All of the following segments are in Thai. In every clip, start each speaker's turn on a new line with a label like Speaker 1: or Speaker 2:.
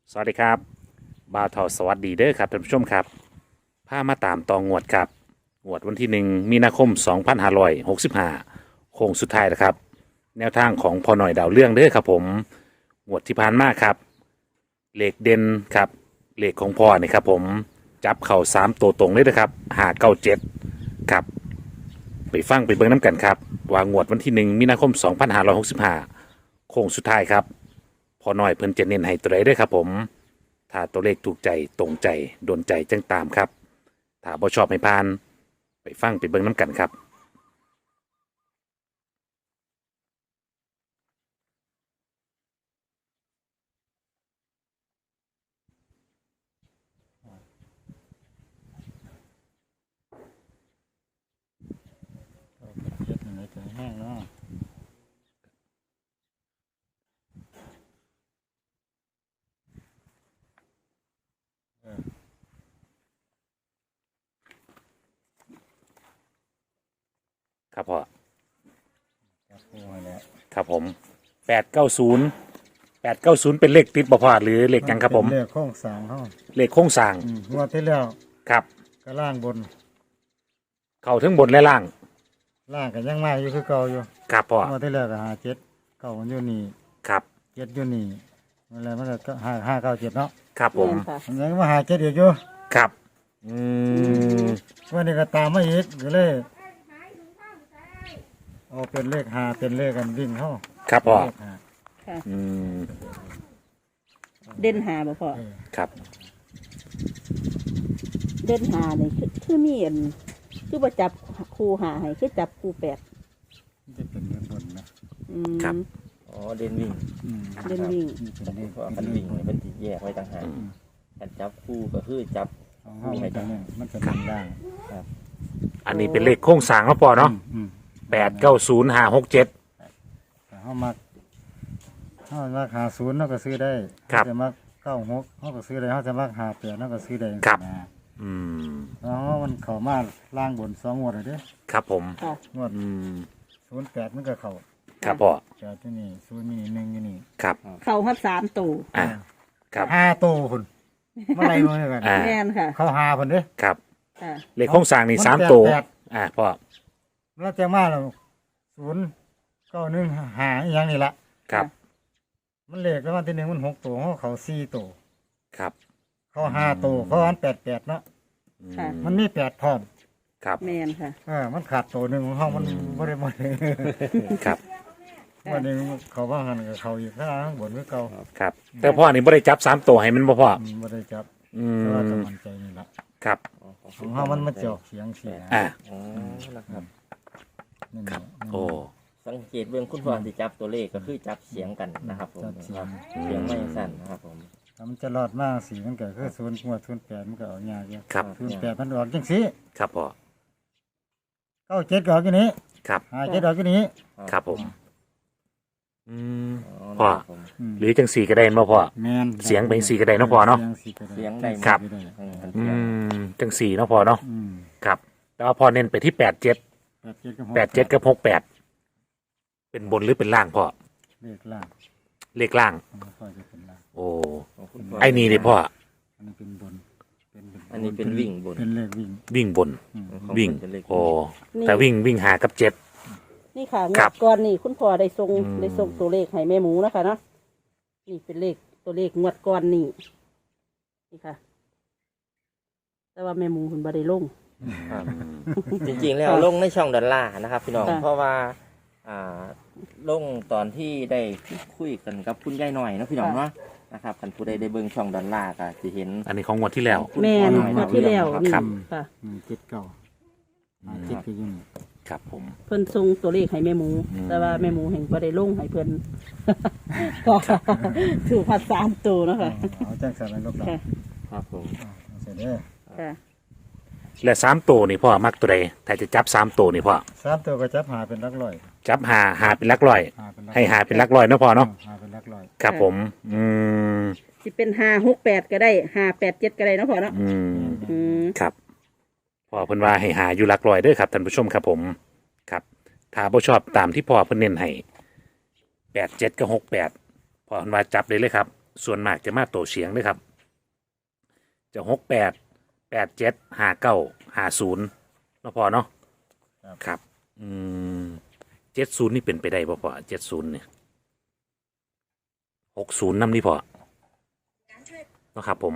Speaker 1: สวัสดีครับบ่าวเทาสวัสดีเด้อครับท่านผู้ชมครับพามาตามตองงวดครับงวดวันที่1 มีนาคม 2565โค้งสุดท้ายนะครับแนวทางของพอหน่อยดาวเรื่องเด้อครับผมงวดที่ผ่านมาครับเลขเด่นครับเลขของพ่อนี่ครับผมจับเข่า3ตัวตรงเลยนะครับ597ครับไปฟังไปเบิ่งน้ำกันครับว่างวดวันที่1 มีนาคม 2565โค้งสุดท้ายครับ พอหน่อยเพิ่นจะเน้นให้ตัวใดเด้อครับผมถ้าตัวเลขถูกใจตรงใจโดนใจจังตามครับถ้าบ่ชอบให้ผ่านไปฟังไปเบิ่งน้ำกันครับ
Speaker 2: เจ็ดหนึ่งถึงแห้งเนาะ
Speaker 1: ครับพ่อ
Speaker 2: จับคู่ให้แล้ว
Speaker 1: ครับผม890เป็นเลขติดบ่พ่อหรือเลขหยังครับผม
Speaker 2: เป็นเลขโค้งสามห้อง
Speaker 1: เลขโค้งสร้าง
Speaker 2: งวดที่แล้ว
Speaker 1: ครับ
Speaker 2: ก็ล่างบน
Speaker 1: เข้าทั้งบนและล่าง
Speaker 2: ล่างก็ยังมาอยู่คือเก่าอยู่
Speaker 1: ครับพ่อง
Speaker 2: วดที่แล้วก็57เก่ามันอยู่นี่
Speaker 1: ครับ
Speaker 2: 7อยู่นี่อะไรมันก็5 5 9 7เนาะ
Speaker 1: ครับผม
Speaker 3: ค่ะ
Speaker 2: มันยังมา57อีกอยู่
Speaker 1: ครับอืม
Speaker 2: วันนี้ก็ตามมาอีกก็เลยเอาเป็นเลข5เป็นเลขกันวิ่งเข้า
Speaker 1: ครับพ่อ
Speaker 2: เลขห้า
Speaker 3: ค่ะ
Speaker 1: อืม
Speaker 3: เด่นหาบ่พอ
Speaker 1: ครับ
Speaker 3: เด่นหานี่คือมีอันคือบ่จับคู่หาให้คือจับคู่แปด
Speaker 2: มันจะเป็นเงินบนนะ
Speaker 3: อืม
Speaker 1: ครับ
Speaker 4: อ๋อเดนวิ่ง
Speaker 2: อืม
Speaker 3: เด่นวิ่ง
Speaker 2: นี่เป็นเลข
Speaker 4: เพราะว่าคันวิ่งเนี่ยมันติแยกไว้ต่างหากการจับคู่ก็คือจับ
Speaker 2: ของเฮามันจะเนี่ยมันจะเป็นล่าง
Speaker 1: อันนี้เป็นเลขโค้งสร้างเนาะพ่อเนาะ
Speaker 2: อืม
Speaker 1: 890567
Speaker 2: แต่เขามาหาศูนย์เขาก็ซื้อได้
Speaker 1: ครับ
Speaker 2: เขาจะมา96เขาก็ซื้อได้เขาจะมาหา8เขาก็ซื้อได้
Speaker 1: ครับ
Speaker 2: นะ
Speaker 1: อืม
Speaker 2: แล้วมันเข้ามาล่างบน2งวดเลยเด้
Speaker 1: ครับผม
Speaker 3: ค่ะ
Speaker 2: งวด
Speaker 1: อืม
Speaker 2: 08มันก็เข้า
Speaker 1: ครับพ่อ
Speaker 2: 8ที่นี่0มี1อยู่นี่
Speaker 1: ครับ
Speaker 3: เข้าฮับ3ตัว
Speaker 1: อ่าครับ
Speaker 2: 5โตพุ่นเมื่อไหร่มื้อกัน
Speaker 1: อ่า
Speaker 3: แม่นค่ะ
Speaker 2: เข้าหาพุ่นเด้
Speaker 1: ครับ
Speaker 3: ค่ะ
Speaker 1: เลขโค้งสร้างนี่
Speaker 2: มัน
Speaker 1: 3 ตัว
Speaker 2: แปด
Speaker 1: พ่อ
Speaker 2: แล้วจะมาแล้ว09115อีหยังนี่ล่ะ
Speaker 1: ครับ
Speaker 2: มันเลขแล้ววันที่1มัน6ตัวเขาเข้า4ตัว
Speaker 1: ครับ
Speaker 2: เข้า5ตัวเขาอัน88เนาะ
Speaker 3: ค่ะ
Speaker 2: มันมี8พร้อม
Speaker 1: ครับ
Speaker 3: แม่นค่ะ
Speaker 2: มันขาดตัวหนึ่งของเขามันบ่ได้หมดเลย
Speaker 1: ครับ
Speaker 2: วันนี้เขาว่าหันกับเขาอีกข้างบนคือเก่า
Speaker 1: ครับ แต่พ่อนี่บ่ได้จับ3ตัวให้มันบ่พ่อ
Speaker 2: บ่ได้จับ
Speaker 1: อื
Speaker 2: แต่ว่าจะ
Speaker 1: ม
Speaker 2: มั่นใจนี่ล่ะ
Speaker 1: ครับ
Speaker 2: ของเขามันมาเจาะเสียงเสีย
Speaker 1: อ่า
Speaker 4: อ๋อนะครับ
Speaker 2: นี่
Speaker 1: ครับ
Speaker 2: นี่
Speaker 1: โอ้
Speaker 4: สังเกตเบื้องคุณพ่อที่จับตัวเลขก็คือจับเสียงกันนะครับผม
Speaker 2: จับเสียง
Speaker 4: เสียงไม่สั่นนะครับผม
Speaker 2: ถ้ามันจะรอดมากสีมันก็คือ0งวด08มันก็เอายากอยู่
Speaker 1: ครับ
Speaker 2: 08มันออกจังซี่
Speaker 1: ครับพ่อ
Speaker 2: 97ก็ออกอยู่นี้
Speaker 1: ครับ
Speaker 2: 57ออกอยู่นี้
Speaker 1: ครับผม อืม
Speaker 4: อ๋อ
Speaker 1: พ่อ
Speaker 4: นะครับผม
Speaker 1: หรือจังสี่ก็ได้บ่พ่อ
Speaker 2: แม่น
Speaker 1: เสียงเป็นสีก็ได้เนาะพ่อเนาะ
Speaker 2: เสียงสีก็ได้
Speaker 4: เสียงได้หมด
Speaker 1: ครับ
Speaker 4: คัน
Speaker 1: อื
Speaker 4: เสียง
Speaker 1: มจังสี่เนาะพ่อเนาะ
Speaker 2: อืม
Speaker 1: ครับ แต่ว่าพ่อเน้นไปที่87
Speaker 2: กับ
Speaker 1: กับ68เป็นบนหรือเป็นล่างพ่อ
Speaker 2: เลขล่าง
Speaker 1: เลขล่าง
Speaker 2: มันค่อยจะเป็นล่าง
Speaker 1: โอ้
Speaker 4: ของคุณพ่อ
Speaker 1: ไอ้นี่เลยพ่อ
Speaker 2: อันนี้เป็นบนเป็น
Speaker 4: อันนี้เป็นวิ่งบน
Speaker 2: เป็นเลขวิ่ง
Speaker 1: วิ่งบน
Speaker 4: ของ
Speaker 1: วิ่ง
Speaker 4: เป็นเลข
Speaker 1: โอ้แต่วิ่งหากับ7
Speaker 3: นี่ค่ะง
Speaker 1: ครั
Speaker 3: ว
Speaker 1: บ
Speaker 3: ดก่อนนี่คุณพ่อได้ส่ง
Speaker 1: อืม
Speaker 3: ได้ส่งตัวเลขให้แม่หมูนะคะเนาะนี่เป็นเลขตัวเลขงวดก่อนนี่นี่ค่ะ แต่ว่าแม่หมูคุณบ่ได้ลง
Speaker 4: ครับจริงๆแล้วลงในช่องดอลลาร์นะครับพี่น้อง
Speaker 3: ค่ะ
Speaker 4: เพราะว่าอ่าลงตอนที่ได้คุยกันกับคุณยายหน่อยเนาะพี่น้องเนาะนะครับคันผู้ใดได้เบิ่งช่องดอลลาร์ก็จะเห็น
Speaker 1: อันนี้ของงวดที่แล้ว
Speaker 3: แม่น
Speaker 4: คุณพ่อหน่อย
Speaker 3: งวดที่แล้วนี่
Speaker 1: ครับ
Speaker 3: ค่ะ
Speaker 2: 7 9 7ก็อยัง
Speaker 1: ครับผม
Speaker 3: เพิ่นส่งตัวเลขให้แม่หมู
Speaker 1: อืม
Speaker 3: แต่ว่าแม่หมูแห่งบ่ได้ลงให้เพิ่น ก็ถูกพัด3ตัวเนาะค่ะ
Speaker 2: เอาจังสันแล้วลูกหลาน
Speaker 3: ค่ะ
Speaker 4: ครับผม
Speaker 2: เอาเสร็จเด้อ
Speaker 3: ค่ะ
Speaker 1: และ3ตัวนี่พ่อมักตัวใดถ้าจะจับ3ตัวนี่พ่อ
Speaker 2: 3ตัวก็จับหาเป็นหลักร้อย
Speaker 1: จับหาเป็นหลักร้อย
Speaker 2: หาเป็นหลัก
Speaker 1: ให้หาเป็นหลักร้อยเนาะพ่อเนาะ
Speaker 2: หาเป็นหลักร้อย
Speaker 1: ครับผม อืม
Speaker 3: สิเป็น568ก็ได้587ก็ได้เนาะพ่อเนาะ
Speaker 1: อืม
Speaker 3: อืม
Speaker 1: ครับพ่อเพิ่นว่าให้หาอยู่หลักร้อยเด้อครับท่านผู้ชมครับผม ครับถ้าบ่ชอบตามที่พ่อเพิ่นเน้นให้87กับ68พ่อเพิ่นว่าจับได้เลยครับส่วนมากจะมาโตเฉียงด้วยครับ จะ68 87 59 50เนาะพอเนาะครับ70นี่เป็นไปได้ป่ะพอ70เนี่ย60นำนี่พอเนาะครับผม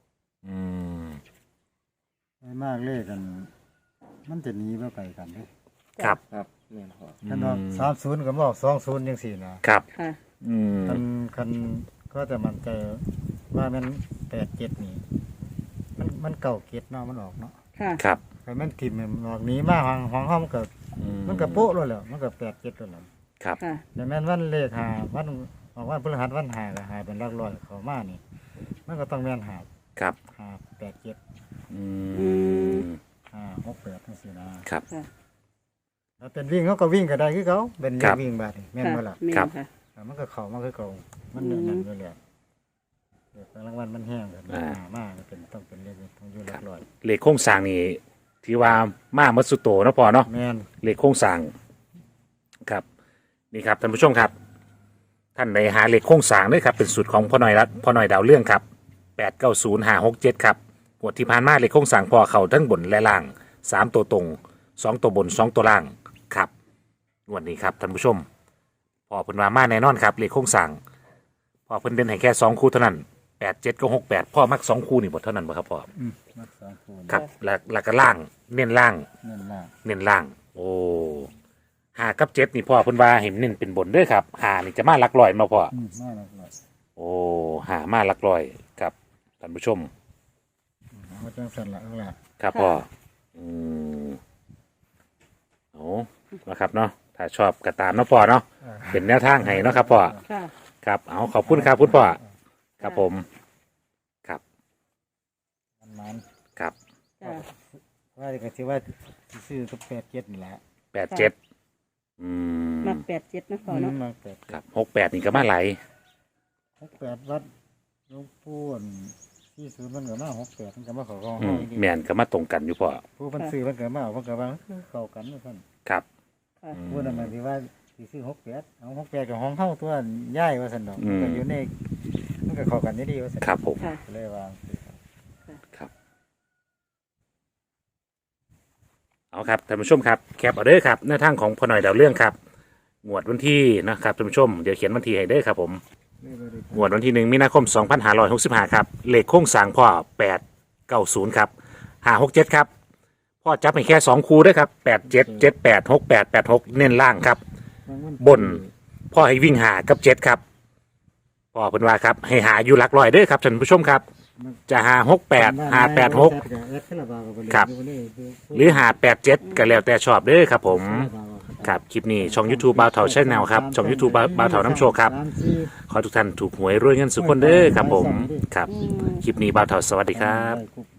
Speaker 2: ไม่มากเลขกัน มันจะหนีมาไกลกันเด้
Speaker 1: ครับ
Speaker 4: ครับแม่นพอ
Speaker 2: คันว่า30ก็บอก20จังซี่นะครับ
Speaker 3: ค่ะ
Speaker 2: คันก็จะมั่นใจว่ามัน87นี่มันเก่าเก็ดเนาะมันออกเนาะ
Speaker 3: ค่ะ
Speaker 1: ครับ
Speaker 2: แต่มันทิ่มมันออกหนีมาห้องมันก็มันก็โป๊ะแล้วแหละมันก็87แล้วแหละ
Speaker 1: ครับ
Speaker 3: ค่ะ
Speaker 2: แต่แม่นวันเลขหาวันออกวันพฤหัสวันหาก็หาเป็นหลักร้อยเข้ามานี่ มันก็ต้องแม่นหา
Speaker 1: ครับ
Speaker 2: 87
Speaker 1: อืม
Speaker 2: 68จังซี่นะครับ
Speaker 3: ค่ะ
Speaker 2: แล้วเป็นวิ่งเขาก็วิ่งก็ได้คือเขาเป็น
Speaker 1: ครับ
Speaker 2: วิ่งบาดนี่แม่นบ่ล่ะ
Speaker 3: แม่น
Speaker 1: ครับ
Speaker 3: ค่ะ
Speaker 2: มันก็เข้ามาคือเก่ามันเนื้อนั่นอยู่แล้วเดี๋ยวรางวัลมันแห้งกันมากเป็นต้องเป็นเลขต้องอยู่หลักร้อย
Speaker 1: เลขโครงสร้างนี่ที่ว่ามามัตสุโตเนาะพอเนาะ
Speaker 2: แม่น
Speaker 1: เลขโครงสร้างครับนี่ครับท่านผู้ชมครับ ท่านในหาเลขโครงสร้างด้วยครับเป็นสูตรของพ่อหน่อยดาวเรื่องครับ890567ครับงวดที่ผ่านมาเลขโครงสร้างพอเข้าทั้งบนและล่าง3ตัวตรง2ตัวบน2ตัวล่างครับงวดนี้ครับท่านผู้ชมพอเพิ่นว่ามาแน่นอนครับเลขโครงสร้างพอเพิ่นเด่นให้แค่2คู่เท่านั้น87กับ68พ่อมัก2คู่นี่บ่เท่านั้นบ่ครับพ่อ
Speaker 2: มัก2คูณ
Speaker 1: ครับแล้วก็ล่างเน้นล่าง
Speaker 2: เน้นล่าง
Speaker 1: เน้นล่าง โอ้5กับ7นี่พ่อเพิ่นว่าเห็นเน้นเป็นบนเด้อครับ5นี่จะมาหลักร้อยมาพ่อ
Speaker 2: มาหลักร้อย
Speaker 1: โอ้5มาหลักร้อยครับท่านผู้ชม
Speaker 2: เอาจังซั่นล่ะเอาล่ะ
Speaker 1: ครับพ่อโอ้นะครับเนาะถ้าชอบกระตามเนาะพ่อเนาะเป็นแนวทางให้เนาะครับพ่อ
Speaker 3: ค่ะ
Speaker 1: ครับเอาขอบคุณครับคุณพ่อครับผมครับ
Speaker 2: มัน
Speaker 1: ครับ
Speaker 3: จ้ะ
Speaker 2: ว่าก็สิว่าสิซื้อกับ87นี่แหละ
Speaker 1: 87
Speaker 3: มัก87นะพ่อเนาะ
Speaker 2: มา
Speaker 1: ครับ68นี่ก็มาไหลาย
Speaker 2: 68วัดหลวงปู่ที่ศูนย์มันก็มา68มันก็มาเข้าของ
Speaker 1: อื
Speaker 2: เฮาม อีก
Speaker 1: แม่นก็มาตรงกันอยู่พ่อ
Speaker 2: ผู้เพิ่นซื้อมันก็มาเอามันก็ว่าเข้ากันว่าซั่น
Speaker 1: ครับ
Speaker 3: ค่ะ
Speaker 2: ผู้นั้นมันสิว่าสิซื้อ68เอา68กับห้องเฮาตัวย้ายว่าซั่นดอกมันก็อยู่ในมันก็เข้ากันดีๆว่าซั่น
Speaker 1: ครับผม
Speaker 3: ค่ะ
Speaker 2: ก็เลยว่า
Speaker 1: ครับเอาครับท่านผู้ชมครับแคปเอาเด้อครับหน้าทางของพ่อหน่อยดาวเรื่องครับงวดวันที่นะครับท่านผู้ชมเดี๋ยวเขียนวันที่ให้เด้อครับผมงวดวันที่1 มีนาคม 2565ครับเลขโค้งสร้างพ่อ890ครับ567ครับพ่อจับให้แค่2คู่เด้อครับ87 78 68 86เน้นล่างครับ บน พ่อให้วิ่งหากับ7ครับพ่อเพิ่นว่าครับให้หาอยู่หลักร้อยเด้อครับท่านผู้ชมครับจะหา68หา86ครับหรือหา87ก็แล้วแต่ชอบเด้อครับผมครับคลิปนี้ช่อง YouTube บ่าวเฒ่า Channel ครับช่อง YouTube บ่าวเฒ่าน้ำโชคครับขอทุกท่านถูกหวยรวยเงินสุขคนเด้อครับผมครับคลิปนี้บ่าวเฒ่าสวัสดีครับ
Speaker 2: คุก